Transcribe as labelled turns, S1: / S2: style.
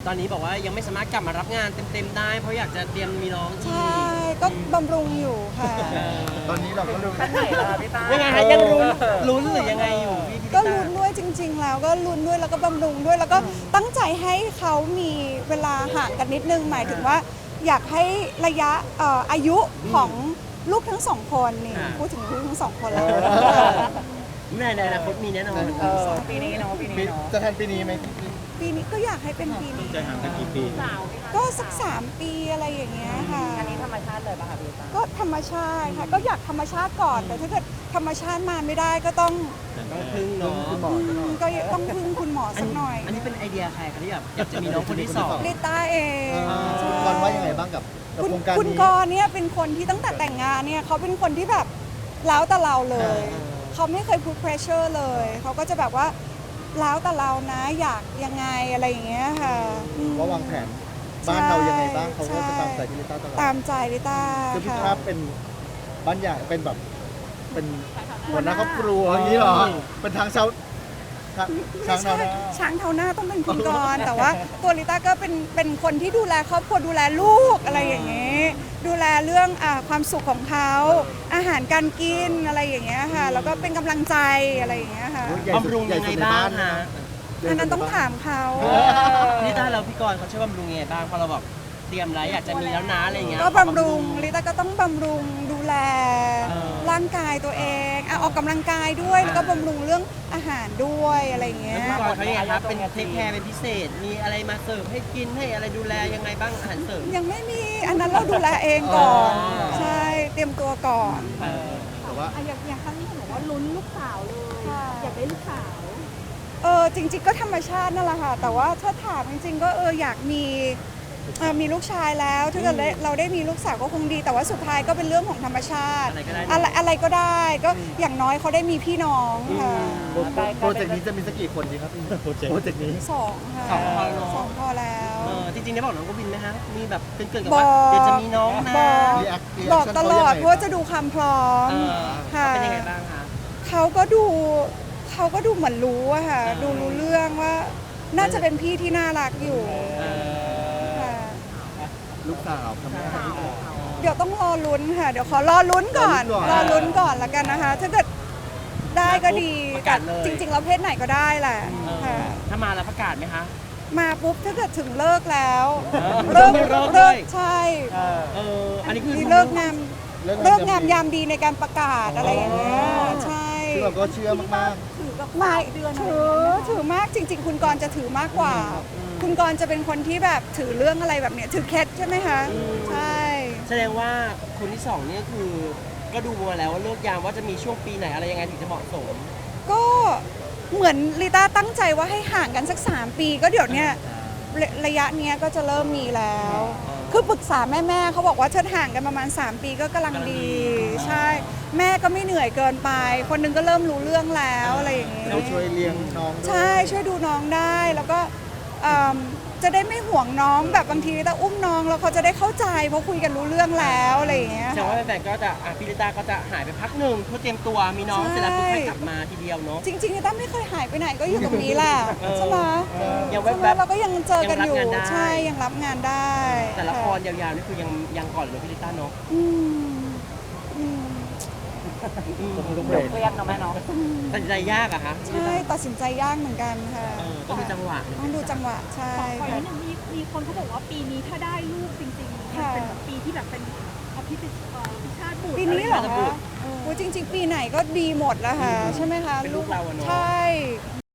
S1: ตอนนี้บอกว่ายังไม่สามารถกลับมารับงานเต็มๆได้เพราะอยากจะเตรียมมีน้องอี
S2: ใช่
S1: ก
S2: ก็บำรุงอยู่ค่ะ
S3: ตอนนี้เราก็รู้
S4: ขั้นไหนล่ะพี่ต้า
S1: ยังไงคะยังลุ้นหรือยังไงอยู่พี่
S2: ก็ลุ้นด้วยจริง ๆ แล้วก็ลุ้นด้วยแล้วก็บำรุงด้วยแล้วก็ตั้งใจให้เขามีเวลาห่างกันนิดนึงหมายถึงว่าอยากให้ระยะอายุของลูกทั้งสองคนนี่พูดถึงลูกทั้งสองคนแล้ว
S1: ในอนาคตมีแน่นอน
S4: ปีนี้เนาะปีนี้เนาะ
S3: จะแทนปีนี้ไหม
S2: ปีนี้ก็อยากให้เป็นปีนี้
S3: จะห่างกันกี่ปี
S4: สาวไหมคะ
S2: ก็สัก3 ปีอะไรอย่างเงี้ยค่ะ
S4: อันนี้ธรรมชาติเลยป่ะคะพี่ต้า
S2: ก็ธรรมชาติค่ะก็อยากธรรมชาติก่อนแต่ถ้าเกิดธรรมชาติมาไม่ได้ก็ต้อง
S1: ต้องพึ่งเนาะ
S3: คุณหมอจะหน่อย
S2: ก็ต้องพึ่งคุณหมอสักหน่อย
S1: อันนี้เป็นไอเดียใครคะที่แบบอยากจะมีน้องคนที่สอง
S2: ลิต้าเองใช่
S3: ก่อนว่ายังไงบ้างกับโครงการ
S2: คุณ
S3: นี้
S2: กรณ์เนี่ยเป็นคนที่ตั้งแต่แต่งงานเนี่ยเขาเป็นคนที่แบบแล้วแต่เราเลย เขาไม่เคยพูด pressure เลยเขาก็จะแบบว่าแล้วแต่เรานะอยากยังไงอะไรอย่างเงี้ยค่ะอืม
S3: ว่าวางแผนบ้านเรายังไงบ้างเขาก็
S2: ใช่
S3: จะตามใจที่ลิต้าตลอด
S2: ตามใจลิต้า
S3: คือพี่
S2: ค่ะ
S3: ภาพเป็นบ้านใหญ่เป็นแบบเป็นหัวหน้าครอบครัวอย่างนี้เหรอเป็นทางชาวช้างเท้าหน้า
S2: ช้างเท้าหน้าต้องเป็นคุณกรณ์แต่ว่าตัวลิต้าก็เป็นคนที่ดูแลครอบครัวดูแลลูกอะไรอย่างเงี้ยดูแลเรื่องความสุขของเขาอาหารการกินอะไรอย่างเงี้ยค่ะแล้วก็เป็นกำลังใจอะไรอย่างเงี้ยค่ะ
S3: ใหญ่สุด
S1: บำรุงยังไงบ้างคะ
S2: อันนั้นต้องถามเขา
S1: นี่ถ้าเราพี่กรณ์เขาช่วยบำรุงยังไงบ้างพอเราแบบเตรียมไรอยากจะมีแล้วนะอะไรเงี้ย
S2: ก็บำรุงลิต้าก็ต้องบำรุงดูแล
S1: เออ
S2: ร่างกายตัวเองออกกำลังกายด้วยแล้วก็บำรุงเรื่องอาหารด้วยอะไรอย่างเงี้
S1: แล้ว
S2: ย
S1: พี่กรณ์เขายังไงครับเป็นเทคแคร์เป็นพิเศษ มีอะไรมาเสิร์ฟให้กินให้อะไรดูแลยังไงบ้างอาหารเสริม
S2: ยังไม่มีอันนั้นเราดูแลเองก่อน
S1: อ๋อ
S2: ใช่เตรียมตัวก่อน
S3: แต่ว่า
S5: อย่างครั้งนี้เห็นบอกว่าลุ้นลูกสาวเลย
S2: ค่ะ
S5: อยากได้ลูกสาว
S2: จริงๆก็ธรรมชาตินั่นแหละค่ะแต่ว่าถ้าถามจริงๆก็อยากมีลูกชายแล้วถ้าเกิดเราได้มีลูกสาวก็คงดี แต่ว่าสุดท้ายก็เป็นเรื่องของธรรมชาติ อะไรก็ได้ก็อย่างน้อยเขาได้มีพี่น้องค่ะ
S3: โปรเจกต์นี้จะมีสักกี่คนดีครับโปรเจกต์นี้
S2: สองค่ะ
S1: สองพอเนอะ
S2: สองพอแล้ว
S1: จริงๆได้บอกน้องกวินไหมฮะมีแบบเกินๆกับ
S2: บ
S1: ว่า
S2: อก
S1: เดี๋ยวจะมีน้องนะ
S2: บอกตลอดเพราะว่าจะดูความพร้อม
S1: เออ
S2: ค่ะ
S1: เป็นยังไงบ้างคะ
S2: เขาก็ดูเหมือนรู้อะค่ะดูรู้เรื่องว่าน่าจะเป็นพี่ที่น่ารักอยู่ค่ะ
S3: ลูกสาวทำได้
S2: เดี๋ยวต้องรอลุ้นค่ะ เดี๋ยวขอรอลุ้นก่อน รอลุ้นก่อนละกันนะคะ ถ้าเกิดได้ก็ดี
S1: ประกาศเลย
S2: จริงๆแล้วเพศไหนก็ได้แหละค่ะ
S1: ถ้ามาแล้วประกาศไหมคะ
S2: มาปุ๊บถ้าเกิดถึงเลิกแล้ว
S1: เลิกเล
S2: เลิ
S1: ย
S2: กใช่
S1: อันนี้คือ
S2: มีเลิกงามยามดีในการประกาศอะไรอย่างเงี้ยใช่
S3: ซึ่งเราก็เชื่อมาก
S5: ถือกับ
S2: ไม่
S5: เดือน
S2: ถือมากจริง ๆ คุณกรณ์จะถือมากกว่า คุณกรณ์จะเป็นคนที่แบบถือเรื่องอะไรแบบเนี้ยถือเคล็ดใช่ไหมคะใช่
S1: แสดงว่าคนที่สองเนี่ยคือก็ดูมาแล้วว่าเลิกยามว่าจะมีช่วงปีไหนอะไรยังไงถึงจะเหมาะสม
S2: ก็เหมือนลิต้าตั้งใจว่าให้ห่างกันสัก3 ปีก็เดี๋ยวเนี้ยระยะเนี้ยก็จะเริ่มมีแล้ว คือปรึกษาแม่เขาบอกว่าเธอห่างกันประมาณ3 ปีก็กำลังดี ใช่ แม่ก็ไม่เหนื่อยเกินไป คนหนึงก็เริ่มรู้เรื่องแล้วอะไรอย่างเงี้
S3: ๆ
S2: ย
S3: เราช่วยเลี้ยงน้องด้วย
S2: ใช่ช่วยดูน้องได้แล้วก็จะได้ไม่ห่วงน้องแบบบางทีลิต้าอุ้มน้องแล้วเขาจะได้เข้าใจเพราะคุยกันรู้เรื่องแล้วอะไรอย่างเงี้ย
S1: แสดงว่าแฟนๆก็จะพี่ลิต้าก็จะหายไปพักหนึ่งเพื่อเตรียมตัวมีน้องเสร็จแล้วปุ๊บค่อยกลับมาทีเดียวเนาะ
S2: จริงๆลิต้าไม่เคยหายไปไหนก็อยู่ตรงนี้แหละ ใช่ไหม
S1: ยัง
S2: ใช่ไหม
S1: แวบ
S2: เราก็ยังเจอกันอยู่
S1: ยังรับงานได้
S2: ใช่ยังรับงานได้
S1: ๆแต่ละค
S2: ค่ะ
S1: รยาวๆนี่คือยังก่อนเลยพี่ลิต้าเนาะ
S2: อืมอืม
S3: ต้องเบรก
S4: เครียดเนาะแม่เนาะ
S1: ตัดสินใจยากอะคะ
S2: ใช่ตัดสินใจยากเหมือนกันค่ะ
S1: ต้องดูจังหวะ
S2: ต้องดูจังหวะใช่
S5: ขออีก
S2: ค่ะ
S5: นิดนึงมีคนเขาบอกว่าปีนี้ถ้าได้ลูกจริงๆมัน
S2: ค่ะ
S5: เป็นปีที่แบบเป็นอภิชาติบุตร
S2: ปีนี้เหรอคะโอ้ยจริง ๆ ปีไหนก็ดีหมดแล้วค่ะ ใช่ไหมคะ
S1: เป็นลูกเราอะเนาะ
S2: ใช่